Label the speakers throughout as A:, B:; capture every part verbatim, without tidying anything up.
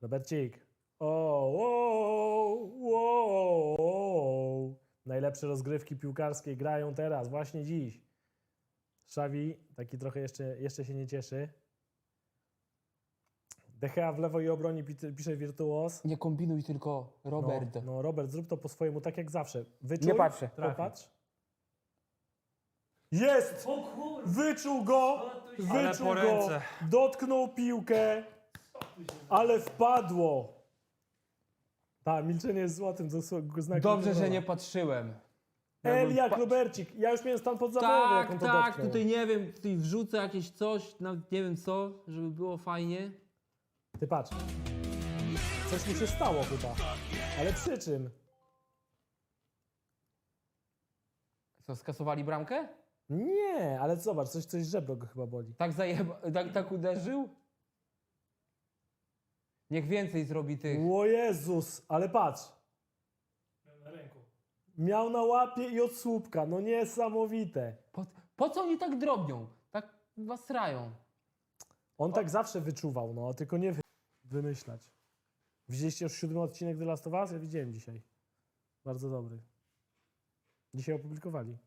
A: Robercik. O, wow, wow, wow. Najlepsze rozgrywki piłkarskie grają teraz, właśnie dziś. Xavi taki trochę jeszcze, jeszcze się nie cieszy. De Gea w lewo i obronie pisze wirtuos.
B: Nie kombinuj tylko, Robert.
A: No, no Robert, zrób to po swojemu, tak jak zawsze. Wyczuj,
B: Nie patrzę.
A: popatrz. Jest!
C: O kur...
A: Wyczuł go!
C: Ale
A: Wyczuł
C: po
A: go!
C: ręce.
A: Dotknął piłkę, ale wpadło. Tak, milczenie jest złotym znakiem.
B: Dobrze, że nie patrzyłem.
A: El jak
B: pa-
A: Robercik. Ja już miałem stan podzawołowy, jak on
D: Tak,
A: to
D: tak,
A: dotknął.
D: tutaj nie wiem, tutaj wrzucę jakieś coś, nawet nie wiem co, żeby było fajnie.
A: Ty patrz. Coś mu się stało chyba. Ale przy czym?
B: Co, skasowali bramkę?
A: Nie, ale zobacz, coś, coś żebro go chyba boli.
B: Tak zajeba... tak, tak uderzył? Niech więcej zrobi tych.
A: O Jezus, ale patrz.
C: Na ręku.
A: Miał na łapie i od słupka. No niesamowite.
B: Po, po co oni tak drobnią? Tak was srają.
A: On tak zawsze wyczuwał, no, tylko nie wy... wymyślać. Widzieliście już siódmy odcinek The Last of Us? Ja widziałem dzisiaj. Bardzo dobry. Dzisiaj opublikowali.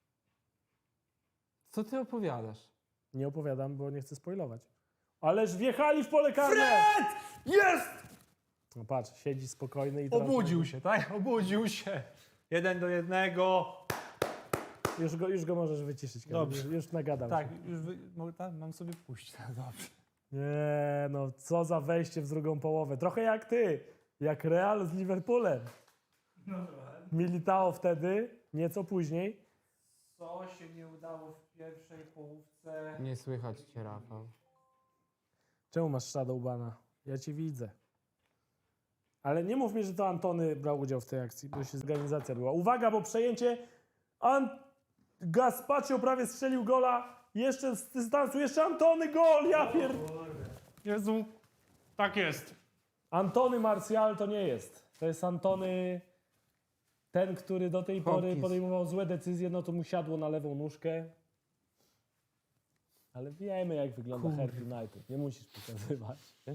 B: Co ty opowiadasz?
A: Nie opowiadam, bo nie chcę spoilować. Ależ wjechali w pole karne!
C: Jest!
A: No patrz, siedzi spokojny i teraz...
C: Obudził się, tak? Obudził się. Jeden do jednego.
A: Już go, już go możesz wyciszyć. Kamil.
C: Dobrze.
A: Już, już nagadał
C: Tak,
A: się.
C: już wy... Mogę, tak, mam sobie puścić. Tak, dobrze.
A: Nie, no co za wejście w drugą połowę. Trochę jak ty. Jak Real z Liverpoolem.
C: No trochę.
A: Militao wtedy, nieco później.
C: Co się nie udało w pierwszej połówce?
B: Nie słychać cię, Rafał.
A: Czemu masz Shadowbana? Ja cię widzę. Ale nie mów mi, że to Antony brał udział w tej akcji, bo się organizacja była. Uwaga, bo przejęcie. An... Gaspacio prawie strzelił gola. Jeszcze z dystansu, jeszcze Antony gol! Ja pier...
C: Jezu, tak jest.
A: Antony Martial to nie jest. To jest Antony, ten, który do tej pory
B: Hopkins.
A: podejmował złe decyzje, no to mu siadło na lewą nóżkę. Ale wiemy, jak wygląda Herb United. Nie musisz pokazywać.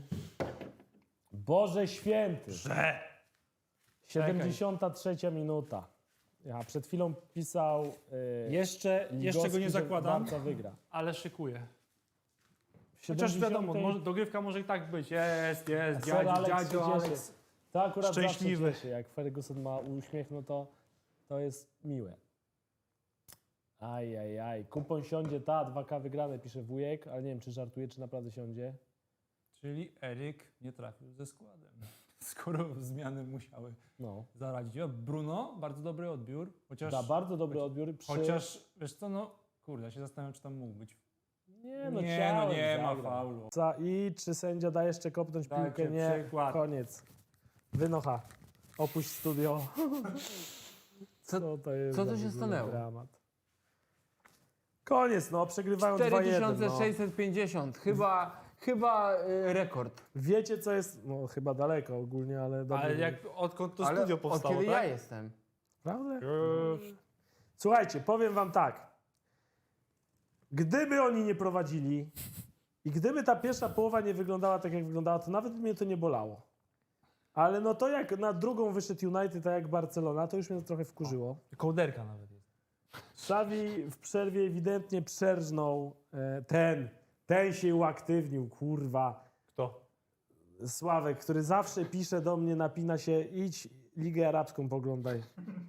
A: Boże święty.
C: Że.
A: siedemdziesiąta trzecia minuta. Ja przed chwilą pisał... Yy,
C: Jeszcze, jeszcze go
A: Ligowski,
C: nie
A: że
C: zakładam,
A: Barca wygra.
C: ale szykuję.
A: W
C: Chociaż
A: siedemdziesiątej
C: wiadomo, może, dogrywka może i tak być. Jest, jest,
A: Sir
C: dziadzio,
A: Alex się
C: dziadzio,
A: cieszy.
C: Alex.
A: To akurat
C: Szczęśliwy.
A: zawsze cieszy. Jak Ferguson ma uśmiech, no to, to jest miłe. Aj, aj, aj. Kupon siądzie, ta, dwa K wygrane, pisze wujek, ale nie wiem, czy żartuje, czy naprawdę siądzie.
C: Czyli Eryk nie trafił ze składem. Skoro zmiany musiały
A: No.
C: zaradzić. O, Bruno, bardzo dobry odbiór. Chociaż,
A: Da bardzo dobry odbiór. Przy...
C: chociaż wiesz co, no kurde, ja się zastanawiam, czy tam mógł być.
A: Nie, no,
C: nie,
A: chciałem,
C: no nie ma
A: zagrał.
C: faulu.
A: Za- I czy sędzia da jeszcze kopnąć
C: Dajcie
A: piłkę? Nie.
C: przykład.
A: Koniec. Wynocha. Opuść studio.
B: Co-
A: Co to jest
B: co
A: za
B: to się
A: w ogóle
B: stanęło?
A: dramat? Koniec, no, przegrywają dwa
B: cztery
A: jeden.
B: tysiące
A: No.
B: sześćset pięćdziesiąt. Chyba, chyba y, rekord.
A: Wiecie, co jest, no chyba daleko ogólnie, ale dobrze.
C: Ale jak, odkąd to
B: Ale
C: studio
B: od
C: powstało,
B: kiedy
C: tak?
B: ja jestem?
A: Prawda?
C: Już.
A: Słuchajcie, powiem wam tak. Gdyby oni nie prowadzili i gdyby ta pierwsza połowa nie wyglądała tak, jak wyglądała, to nawet mnie to nie bolało. Ale no to jak na drugą wyszedł United, tak jak Barcelona, to już mnie to trochę wkurzyło.
C: Kołderka nawet jest.
A: Xavi w przerwie ewidentnie przerżnął e, ten, ten się uaktywnił, kurwa.
C: Kto?
A: Sławek, który zawsze pisze do mnie, napina się, idź Ligę Arabską poglądaj.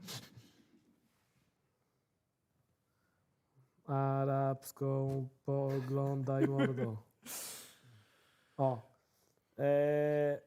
A: Arabską poglądaj, mordo. O. E,